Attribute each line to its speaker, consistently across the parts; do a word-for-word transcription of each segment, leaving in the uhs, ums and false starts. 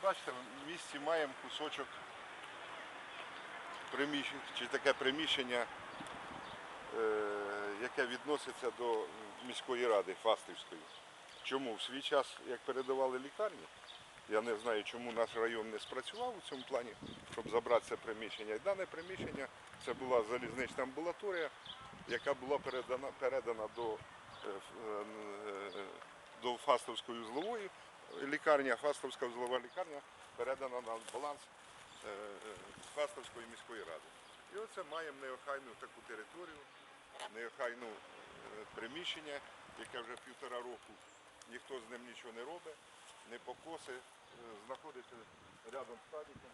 Speaker 1: бачите, в місті маємо кусочок приміщення, чи таке приміщення, яке відноситься до міської ради Фастівської. Чому? В свій час, як передавали лікарні, я не знаю, чому наш район не спрацював у цьому плані, щоб забрати це приміщення. І дане приміщення це була залізнична амбулаторія, яка була передана, передана до, до Фастовської узлової лікарні, а Фастовська узлова лікарня передана на баланс Фастовської міської ради. І оце маємо неохайну таку територію, неохайну приміщення, яке вже півтора року ніхто з ним нічого не робить, не покоси, знаходиться рядом з садиком,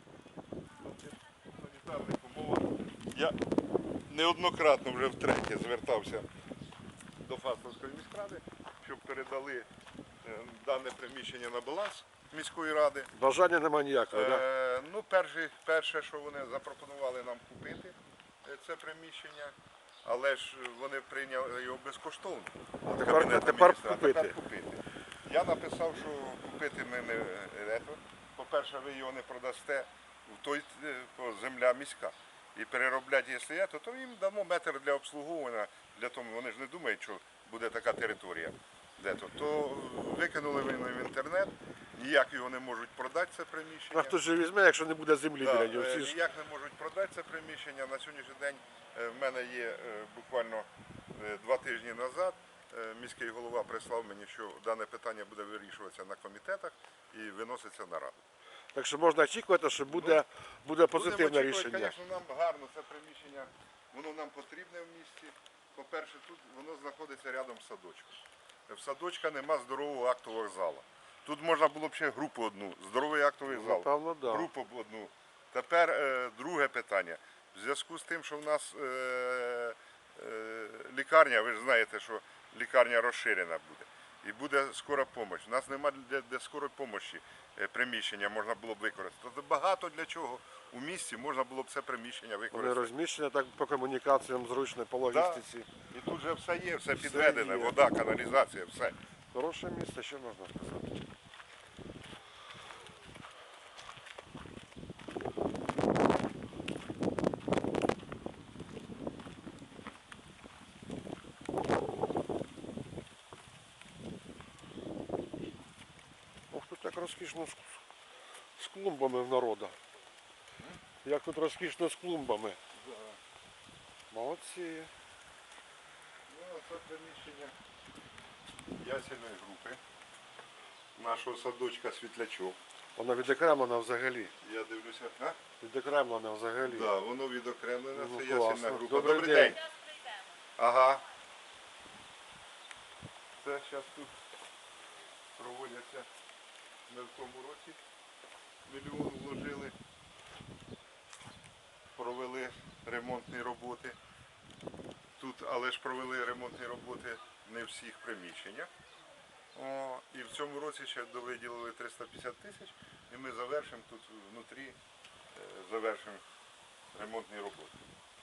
Speaker 1: в санітарних умовах. Я неоднократно вже втретє звертався до Фастовської міськради, щоб передали дане приміщення на баланс міської ради.
Speaker 2: Бажання немає ніякого, так?
Speaker 1: Е, ну, перше, перше, що вони запропонували нам купити це приміщення, але ж вони прийняли його безкоштовно.
Speaker 2: А тепер, тепер купити.
Speaker 1: тепер купити. Я написав, що купити ми не ето. По-перше, ви його не продасте, в той земля міська. І переробляти, якщо є, то їм дамо метр для обслуговування, для того, вони ж не думають, що буде така територія. Де-то. То викинули вони в інтернет, ніяк його не можуть продати, це приміщення.
Speaker 2: А хто ж візьме, якщо не буде землі
Speaker 1: Да,
Speaker 2: біля нього? Всі
Speaker 1: ніяк не можуть продати це приміщення. На сьогоднішній день в мене є буквально два тижні назад, міський голова прислав мені, що дане питання буде вирішуватися на комітетах і виноситься на раду.
Speaker 2: Так що можна очікувати, що буде, ну, буде позитивне рішення.
Speaker 1: Звісно, нам гарно це приміщення, воно нам потрібне в місті. По-перше, тут воно знаходиться рядом з садочком. В садочка нема здорового актового залу. Тут можна було б ще групу одну, здоровий актовий зал,
Speaker 2: Напевно, да.
Speaker 1: групу б одну. Тепер е, друге питання. В зв'язку з тим, що в нас е, е, лікарня, ви ж знаєте, що лікарня розширена буде. І буде скора допомога. У нас немає для, для скорої допомоги приміщення можна було б використати. Багато для чого у місті можна було б це приміщення використати.
Speaker 2: Вони розміщені так по комунікаціям зручно, по логістиці.
Speaker 1: Да. І тут вже все є, все підведене, все вода, каналізація, все.
Speaker 2: Хороше місце, що можна сказати. Ох, тут так розкішно з, з клумбами в народу. Як тут розкішно з клумбами.
Speaker 1: Да.
Speaker 2: Молодці.
Speaker 1: Ну, це приміщення ясельної групи нашого садочка Світлячок.
Speaker 2: Воно відокремлено взагалі.
Speaker 1: Я дивлюся, а?
Speaker 2: Відокремлено взагалі.
Speaker 1: Так, да, воно відокремлене,
Speaker 2: Ну,
Speaker 1: це
Speaker 2: класно.
Speaker 1: ясельна група.
Speaker 2: Добрий
Speaker 1: Добрий
Speaker 2: день.
Speaker 1: день. Ага. Це зараз тут проводяться, ми в тому році мільйон вложили, провели ремонтні роботи. Тут, але ж провели ремонтні роботи не в всіх приміщеннях. О, і в цьому році ще довиділили триста п'ятдесят тисяч, і ми завершимо тут внутрі, е, завершимо ремонтні роботи.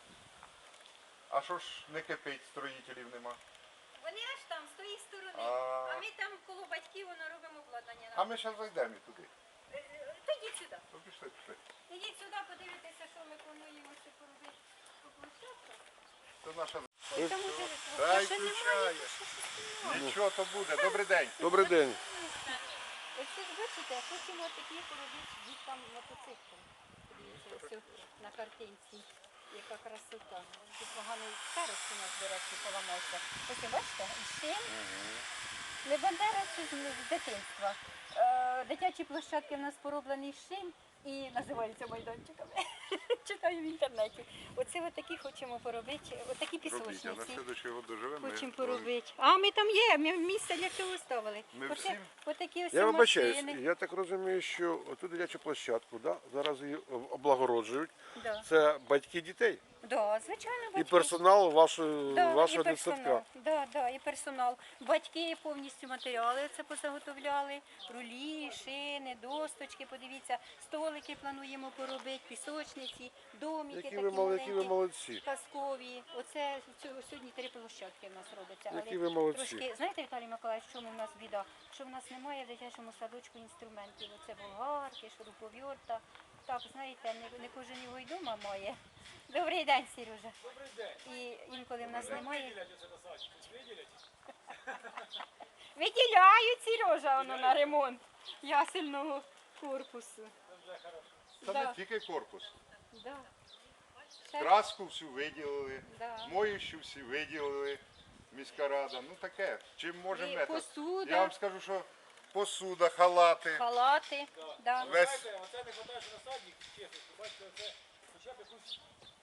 Speaker 1: А що ж не кипить, строїтелів нема?
Speaker 3: Вони аж там, з тої сторони.
Speaker 1: А,
Speaker 3: А ми там коло батьків воно робимо обладнання.
Speaker 1: а ми зараз зайдемо і туди.
Speaker 3: Е, е, То йдіть сюди.
Speaker 1: Ну, пішли, пішли.
Speaker 3: Ідіть сюди, подивитися, що ми плануємо ще поробити по площадках.
Speaker 1: Це наша...
Speaker 3: Там уже
Speaker 1: Дай
Speaker 3: ще немає,
Speaker 1: включає.
Speaker 3: що ще немає.
Speaker 1: Нічого то буде. Добрий день.
Speaker 2: Добрий день.
Speaker 3: Ось ви ж бачите, хочемо такі поробити діткам мотоцикл. Подивіться, ось на картинці. Яка красота. Тут поганий старост у нас, до речі, поламався. Ось ви бачите, шин. Не Бандера, це з дитинства. Е, Дитячі площадки в нас пороблені з шин і називаються майданчиками. Читаю в інтернеті. Оце от такі хочемо поробити, отакі
Speaker 1: Робіть, а на
Speaker 3: пісочниці.
Speaker 1: слідуючий год доживемо. ми
Speaker 3: Хочемо
Speaker 1: зробимо.
Speaker 3: поробити. А ми там є, ми місце для цього ставили.
Speaker 1: Ми
Speaker 3: Оце,
Speaker 1: всім?
Speaker 3: отакі ось
Speaker 2: Я вибачаюсь,
Speaker 3: машини.
Speaker 2: я так розумію, що оту дитячу площадку, да, зараз її облагороджують.
Speaker 3: Да.
Speaker 2: Це батьки дітей
Speaker 3: Да, звичайно,
Speaker 2: і
Speaker 3: батьки.
Speaker 2: персонал вашої,
Speaker 3: Да,
Speaker 2: вашого
Speaker 3: і персонал.
Speaker 2: дитсадка.
Speaker 3: Да, да, і персонал. Батьки повністю матеріали це позаготовляли, рулі, стіни, шини, досточки, подивіться, столики плануємо поробити, пісочниці, домики
Speaker 2: Які
Speaker 3: такі
Speaker 2: ви, мол- які ви
Speaker 3: маленькі,
Speaker 2: молодці.
Speaker 3: казкові. Оце цього- сьогодні три площадки в нас робиться.
Speaker 2: Які
Speaker 3: Але
Speaker 2: ви молодці.
Speaker 3: трошки, знаєте, Віталій Миколаївич, в чому в нас біда? Що в нас немає в дитячому садочку інструментів. Оце болгарки, шуруповерта. Так, знаєте, не, не кожен його й дома має. Добрий день, Сережа.
Speaker 4: Добрий день.
Speaker 3: І інколи в нас немає.
Speaker 4: Виділять оце на садик? Виділять?
Speaker 3: Виділяють, Сережа, воно на ремонт ясельного корпусу.
Speaker 4: Це вже хорошо.
Speaker 1: Це
Speaker 3: Да.
Speaker 1: не тільки корпус.
Speaker 3: Да. Ще-
Speaker 1: Краску всю виділили,
Speaker 3: Да.
Speaker 1: моющу всі виділили, міська рада. Ну таке, чим можемо.
Speaker 3: І
Speaker 1: це.
Speaker 3: посуда.
Speaker 1: Я вам скажу, що посуда, халати.
Speaker 3: Халати. Да.
Speaker 1: Весь-
Speaker 4: Знаєте, оце не хватає, що на садик, чесно, бачите, оце хоча б якусь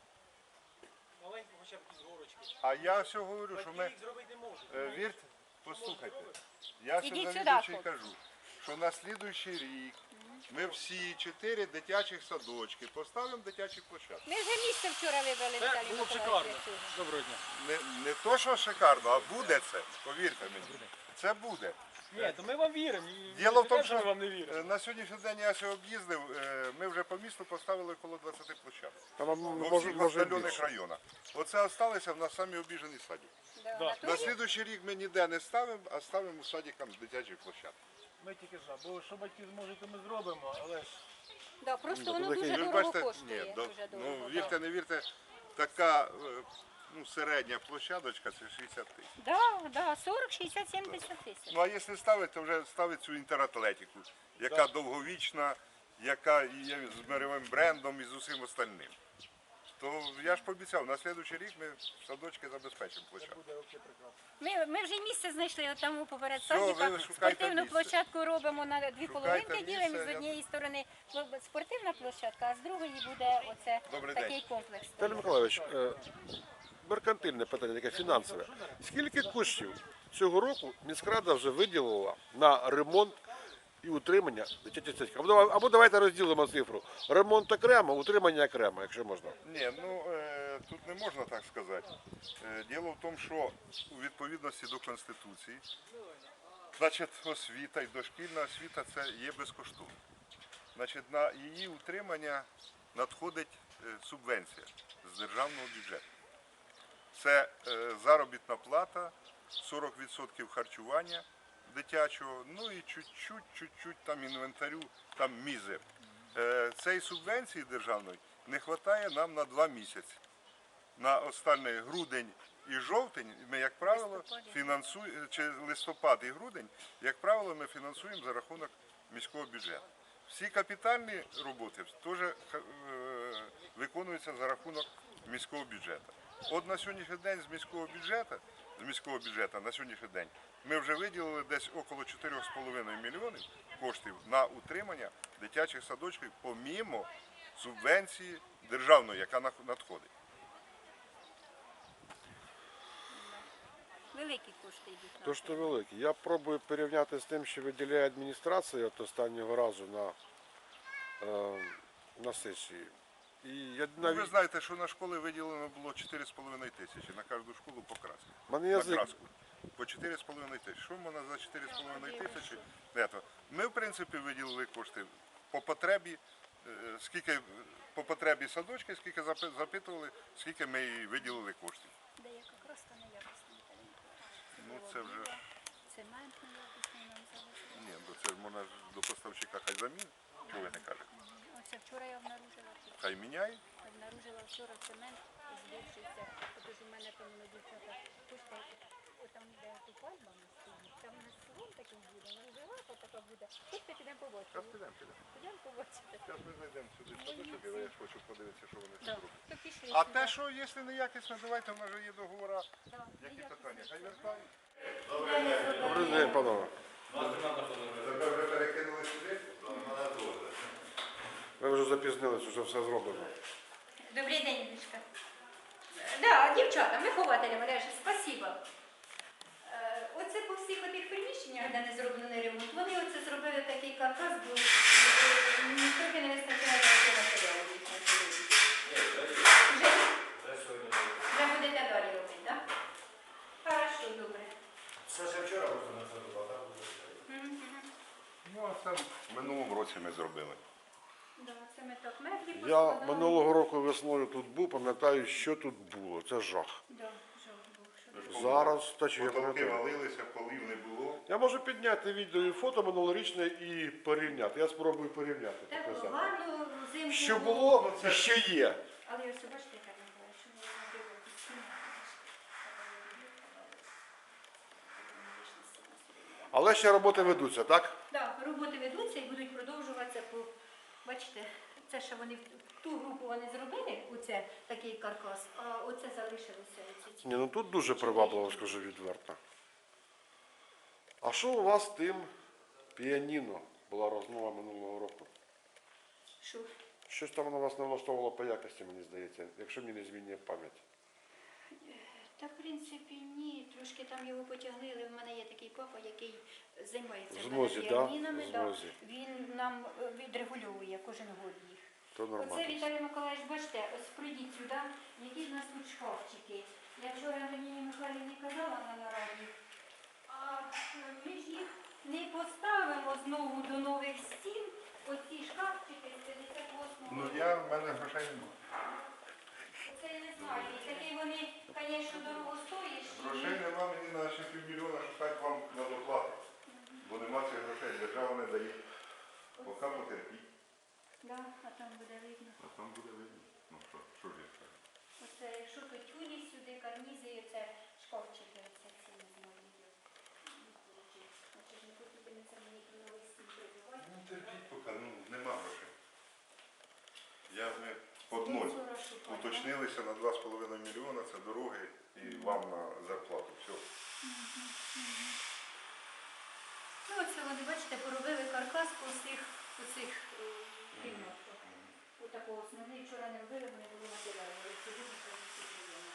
Speaker 4: маленьку, хоча б якісь горочки.
Speaker 1: А я все говорю, що
Speaker 4: Батьки
Speaker 1: ми,
Speaker 4: їх зробити не можуть.
Speaker 1: е, вірте, послухайте, я все
Speaker 3: Ідіть сюди,
Speaker 1: завідуючий
Speaker 3: хлопці.
Speaker 1: кажу, що на слідуючий рік ми всі чотири дитячих садочки поставимо дитячі площадки.
Speaker 3: Ми вже місце вчора вибрали,
Speaker 4: Це
Speaker 3: Віталій
Speaker 4: було б
Speaker 3: Миколаївич.
Speaker 4: шикарно.
Speaker 3: цього.
Speaker 4: Доброго дня.
Speaker 1: Не, не то, що шикарно, а буде це, повірте мені. Це буде.
Speaker 4: Ні, то ми вам віримо. і
Speaker 1: Діло в
Speaker 4: не
Speaker 1: тому,
Speaker 4: те, ми
Speaker 1: що
Speaker 4: вам не віримо.
Speaker 1: е, на сьогоднішній день я ще об'їздив, е, ми вже по місту поставили коло двадцяти площадок.
Speaker 2: Там м,
Speaker 1: Во
Speaker 2: може,
Speaker 1: всіх
Speaker 2: може
Speaker 1: остальних
Speaker 2: більше.
Speaker 1: районах. Оце залишилися в нас самі обіжені садики.
Speaker 3: Да.
Speaker 4: Да.
Speaker 3: На
Speaker 1: На
Speaker 3: той-
Speaker 1: слідуючий рік ми ніде не ставимо, а ставимо садикам з дитячої площадки.
Speaker 4: Ми тільки за. Бо що батьки зможуть, то ми зробимо, але ж
Speaker 3: Да, просто
Speaker 2: Ну,
Speaker 3: воно
Speaker 2: таке-
Speaker 3: дуже
Speaker 1: Ви ж
Speaker 3: дорого
Speaker 1: бачите,
Speaker 3: коштує.
Speaker 1: ні, до-
Speaker 3: Дуже дорого,
Speaker 1: ну
Speaker 3: да.
Speaker 1: вірте, не вірте, така е, ну, середня площадочка це шістдесят тисяч.
Speaker 3: Да, да, сорок, шістдесят, сімдесят тисяч.
Speaker 1: Ну а якщо ставити, то вже ставить цю інтератлетику, яка довговічна, яка є з мировим брендом і з усім остальним. То я ж пообіцяв, на слідуючий рік ми садочки забезпечимо площадку.
Speaker 4: буде взагалі прекрасно.
Speaker 3: Ми, ми вже місце знайшли от там поперед
Speaker 1: Все,
Speaker 3: садика.
Speaker 1: ви шукайте
Speaker 3: Спортивну
Speaker 1: місце.
Speaker 3: площадку робимо на дві
Speaker 1: Шукайте
Speaker 3: половинки,
Speaker 1: місце,
Speaker 3: ділимо з
Speaker 1: я-
Speaker 3: однієї сторони спортивна площадка, а з другої буде оце
Speaker 1: Добрий
Speaker 3: такий
Speaker 1: день.
Speaker 3: комплекс.
Speaker 2: Віталій Миколаївич, е, меркантильне питання, таке фінансове. Скільки коштів цього року міськрада вже виділила на ремонт і утримання дитячих садків? Або, давай- або давайте розділимо цифру. Ремонт окремо, утримання окремо, якщо можна.
Speaker 1: Ні, ну е, тут не можна так сказати. Е, діло в тому, що у відповідності до Конституції, значить, освіта і дошкільна освіта це є безкоштовно. Значить, на її утримання надходить е, субвенція з державного бюджету. Це е, заробітна плата, сорок відсотків харчування дитячого, ну і чуть-чуть, чуть-чуть там інвентарю, там мізер. Е, Цієї субвенції державної не вистачає нам на два місяці. На останній грудень і жовтень ми, як правило, фінансуємо, чи листопад і грудень, як правило, ми фінансуємо за рахунок міського бюджету. Всі капітальні роботи теж е, виконуються за рахунок міського бюджету. От на сьогоднішній день з міського бюджету, з міського бюджету на сьогоднішній день ми вже виділили десь около чотири з половиною мільйонів коштів на утримання дитячих садочків помімо субвенції державної, яка нах- надходить.
Speaker 3: Великі кошти йдуть. на
Speaker 2: То
Speaker 3: це.
Speaker 2: що велике. Я пробую порівняти з тим, що виділяє адміністрація от останнього разу на, е, на сесії. І я
Speaker 1: Ну, ви
Speaker 2: навіть
Speaker 1: знаєте, що на школи виділено було чотири з половиною тисячі, на кожну школу по краску.
Speaker 2: в мене
Speaker 1: На
Speaker 2: язик.
Speaker 1: краску. По чотири з половиною тисячі. Що можна за чотири з половиною тисячі? Не, то. Ми, в принципі, виділили кошти по потребі, е, скільки по потребі садочки, скільки запи- запитували, скільки ми і виділили коштів.
Speaker 3: Деяка краска неякісна, Віталій Миколаївич.
Speaker 1: Ну, це вже,
Speaker 3: Цемент неякісний нам залишили.
Speaker 1: ні, бо це ж можна ж до поставщика хай замін, чого ви не кажете.
Speaker 3: Оце вчора я обнаружила.
Speaker 1: Хай міняє.
Speaker 3: Обнаружила вчора цемент, збільшився. Отож у мене там на дівчата пушка, там де ту пальма стоїть, там у нас салон такий буде, розживати така буде. Тут підемо побачимо.
Speaker 1: Зараз підемо, підемо.
Speaker 3: Підемо побачити.
Speaker 1: Зараз ми знайдемо сюди садочок, і я ж хочу подивитися, що вони
Speaker 3: Да.
Speaker 1: тут роблять.
Speaker 3: То пішли
Speaker 1: А
Speaker 3: сюди.
Speaker 1: те, що якщо неякісно, давайте, в нас же є договора.
Speaker 3: Да,
Speaker 1: Які
Speaker 3: ніяк
Speaker 1: питання?
Speaker 3: не
Speaker 1: Хай вертають.
Speaker 2: Добрий день, панове.
Speaker 1: Тебе вже перекинули сюди?
Speaker 2: Ви вже запізнились, вже все зроблено.
Speaker 3: Добрий день, Ілюшка. Да, дівчата, вихователі мережі, спасибо. Е, Оце по всіх отих приміщеннях, де не зроблений ремонт, вони оце зробили такий каркас, бо е, м, трохи не вистачає такого матеріалу їх на сьогодні. Вже, вже будете далі робити, так? Хорошо, добре.
Speaker 4: Це ще вчора просто на це була, так?
Speaker 3: Мгм.
Speaker 1: Ну, а там робили.
Speaker 3: Да, це ми так меблі
Speaker 2: Я
Speaker 3: поскладали.
Speaker 2: минулого року весною тут був, пам'ятаю, що тут було. Це жах.
Speaker 3: Да, жах був, що
Speaker 2: Зараз та чи я
Speaker 1: Потолки
Speaker 2: пам'ятаю.
Speaker 1: валилися, полів не було.
Speaker 2: Я можу підняти відео і фото минулорічне і порівняти. Я спробую порівняти.
Speaker 3: так було
Speaker 2: показати.
Speaker 3: гарно, взимку.
Speaker 2: Що було і що є.
Speaker 3: Але ось бачите, яка не була, що ми робили постійно.
Speaker 2: Але ще роботи ведуться, так?
Speaker 3: Так, роботи ведуться і будуть продовжуватися по. Бачите, це ще вони в ту групу вони зробили, оце такий каркас, а оце залишилося. Оці ці.
Speaker 2: Ні, ну тут дуже привабливо, скажу відверто. А що у вас з тим піаніно була розмова минулого року?
Speaker 3: Що?
Speaker 2: Щось там воно вас не влаштовувало по якості, мені здається, якщо мені не змінює пам'ять.
Speaker 3: Та, в принципі, ні. Трошки там його потягли, але в мене є такий папа, який займається
Speaker 2: В знозі, да?
Speaker 3: піанінами.
Speaker 2: В
Speaker 3: Да.
Speaker 2: знозі.
Speaker 3: Він нам е, відрегульовує кожен год їх.
Speaker 2: То
Speaker 3: Оце,
Speaker 2: нормально.
Speaker 3: Віталій Миколаївич, бачите, ось прийдіть сюди, які в нас тут шкафчики. Я вчора Антоніні Михайлівні казала на нараді, а ми ж їх не поставимо знову до нових стін. Оці шкафчики з п'ятдесят восьмого
Speaker 1: Ну
Speaker 3: року.
Speaker 1: я, в мене грошей немає.
Speaker 3: Це я не знаю. І такі вони, звісно, дорогостоящі.
Speaker 1: Грошей нема, мені на ще півмільйона шукати вам на доплату. Бо нема цих грошей, держава не дає. Поки потерпіть,
Speaker 3: Да, а там буде видно.
Speaker 1: а там буде видно. Ну що, що ж я скажу?
Speaker 3: Оце, якщо то тюлі сюди, карнізи, і це шкафчики, оце ці не знаю. Значить, не потрібно це мені про новий стіль прибивати.
Speaker 1: Ну терпіть поки, ну нема грошей. Я ми под ноль
Speaker 3: Спонсора шукати,
Speaker 1: уточнилися на два з половиною мільйона, це дороги і вам на зарплату. Все.
Speaker 3: Ну, оце вони, бачите, поробили каркас по цих, по цих е, кімнатках. Отакого основний вчора не робили, вони були матеріали. Але сьогодні це всі мільйони.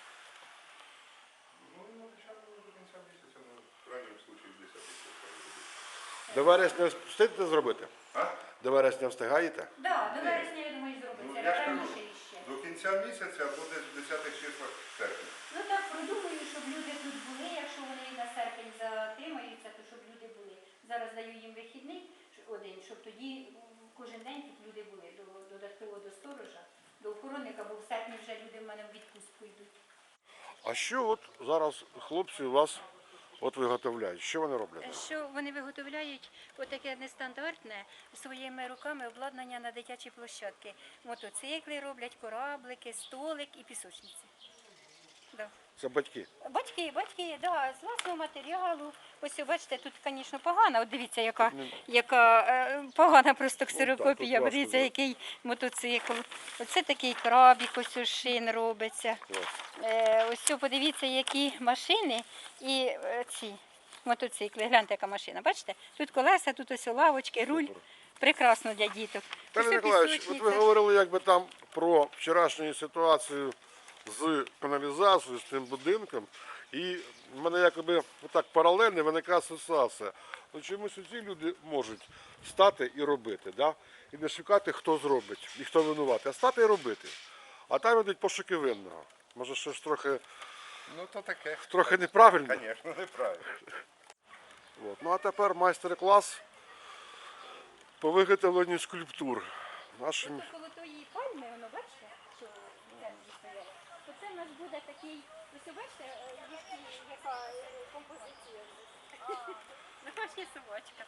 Speaker 1: Ну, ну, обіцяли до кінця місяця, ну, в крайньому случаї десять тисяч.
Speaker 2: До вересня встигнете зробити?
Speaker 1: А?
Speaker 2: До вересня встигаєте?
Speaker 3: Так, да, до вересня, я думаю,
Speaker 1: Ну,
Speaker 3: зробиться.
Speaker 1: я ж кажу,
Speaker 3: Раніше іще.
Speaker 1: до кінця місяця або десь в десятих числах серпня.
Speaker 3: Ну так, продумаю, щоб люди тут були, якщо вони на серпень затримаються, то щоб люди були. Зараз даю їм вихідний один, щоб тоді м, кожен день тут люди були, до, додатково до сторожа, до охоронника, бо в серпні вже люди в мене в відпустку йдуть.
Speaker 2: А що от зараз хлопці у вас от виготовляють? Що вони роблять?
Speaker 3: Що вони виготовляють отаке нестандартне своїми руками обладнання на дитячі площадки. Мотоцикли роблять, кораблики, столик і пісочниці. Да.
Speaker 2: Це батьки.
Speaker 3: Батьки, батьки, да, з власного матеріалу. Ось ви бачите, тут, звісно, погана. От дивіться, яка, яка е, погана просто ксерокопія.
Speaker 2: тут важко,
Speaker 3: Подивіться,
Speaker 2: да.
Speaker 3: який мотоцикл. Оце такий крабік, ось із шин робиться.
Speaker 2: Клас.
Speaker 3: Е, ось цю подивіться, які машини і е, ці мотоцикли. Гляньте, яка машина. Бачите? Тут колеса, тут ось лавочки, руль. Прекрасно для діток.
Speaker 2: Пане
Speaker 3: Ось
Speaker 2: Миколаївич, от
Speaker 3: пісочниця.
Speaker 2: ви говорили якби там про вчорашню ситуацію з каналізацією, з тим будинком. І в мене якби отак паралельно виникає ситуація. Ну чомусь ці люди можуть стати і робити, да? І не шукати, хто зробить і хто винуватий, а стати і робити. А там йдуть пошуки винного. Може, щось трохи,
Speaker 1: Ну то таке.
Speaker 2: трохи неправильно.
Speaker 1: Звісно, неправильно.
Speaker 2: От. Ну а тепер майстер-клас по виготовленню скульптур. Нашим...
Speaker 3: Ось коло тої пальми, воно бачите, що землі стояло. То це в нас буде такий, ось ви бачите, е, які- яка е, композиція. Наша собачка.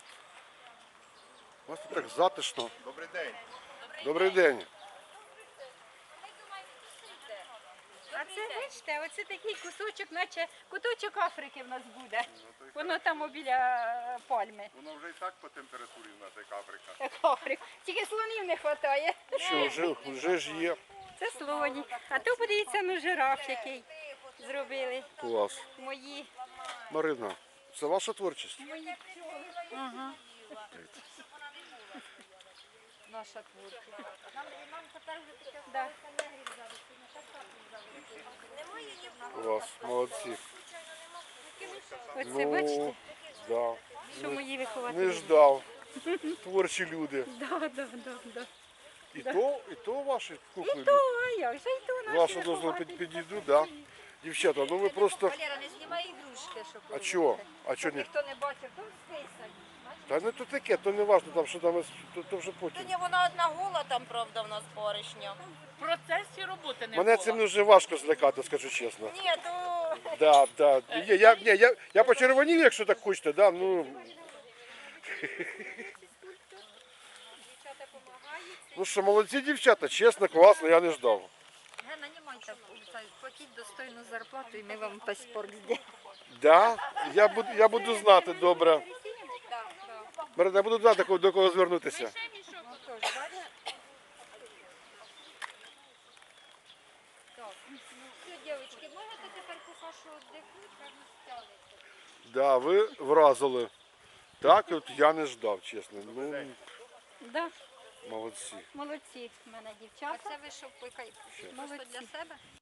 Speaker 2: У вас тут так затишно.
Speaker 1: Добрий день.
Speaker 2: Добрий день.
Speaker 3: А це бачите, оце такий кусочок, наче куточок Африки в нас буде. Воно там біля е, пальми.
Speaker 1: Воно вже і так по температурі в нас як Африка.
Speaker 3: Як Африка. Тільки слонів не вистачає.
Speaker 2: Що, вже, вже ж є.
Speaker 3: Це слоні. А то подивіться, ну жираф який зробили.
Speaker 2: Клас.
Speaker 3: Мої.
Speaker 2: Марина, це ваша творчість?
Speaker 3: Мої пчоли. Ага. Наша творчість. Да.
Speaker 2: Клас, молодці.
Speaker 3: Оце
Speaker 2: Ну,
Speaker 3: бачите,
Speaker 2: да.
Speaker 3: що мої вихователі.
Speaker 2: Не ждав. Творчі люди.
Speaker 3: Да, да, да, да.
Speaker 2: І то, і то ваші кухні.
Speaker 3: І то, а як же, і то наші
Speaker 2: Вашу дозволу
Speaker 3: вихователі.
Speaker 2: під, підійду, да. Дівчата, ну ви просто.
Speaker 3: Валера, не знімай ігрушки, щоб
Speaker 2: А чого? А чого ні?
Speaker 3: ніхто не бачив, то списані. Бачите?
Speaker 2: Та не то таке, то не важно, там що там, то, то вже
Speaker 5: Та
Speaker 2: потім.
Speaker 5: ні, вона одна гола там, правда, в нас баришня.
Speaker 6: В процесі роботи не
Speaker 2: Мене
Speaker 6: було.
Speaker 2: цим дуже важко злякати, скажу чесно.
Speaker 5: Ні, то
Speaker 2: Да, да. Я, я, ні, я, я почервонів, якщо так хочете, да, ну,
Speaker 3: Дівчата допомагають.
Speaker 2: ну що, молодці дівчата, чесно, класно, я не ждав.
Speaker 3: Гена, не майте, платіть достойну зарплату і ми вам паспорт зробимо.
Speaker 2: Да? Я буду, я буду знати, добре.
Speaker 3: Так, так.
Speaker 2: Марина, я буду знати, до кого звернутися.
Speaker 3: Ну, теж, бачите? Так, ну все, дівчатки, можете тепер поки що віддихнути, як не стягнеться.
Speaker 2: Да, ви вразили. Так, от я не ждав, чесно. Ну,
Speaker 3: Да,
Speaker 2: молодці.
Speaker 3: молодці в мене дівчата. А це ви що, молодці для себе?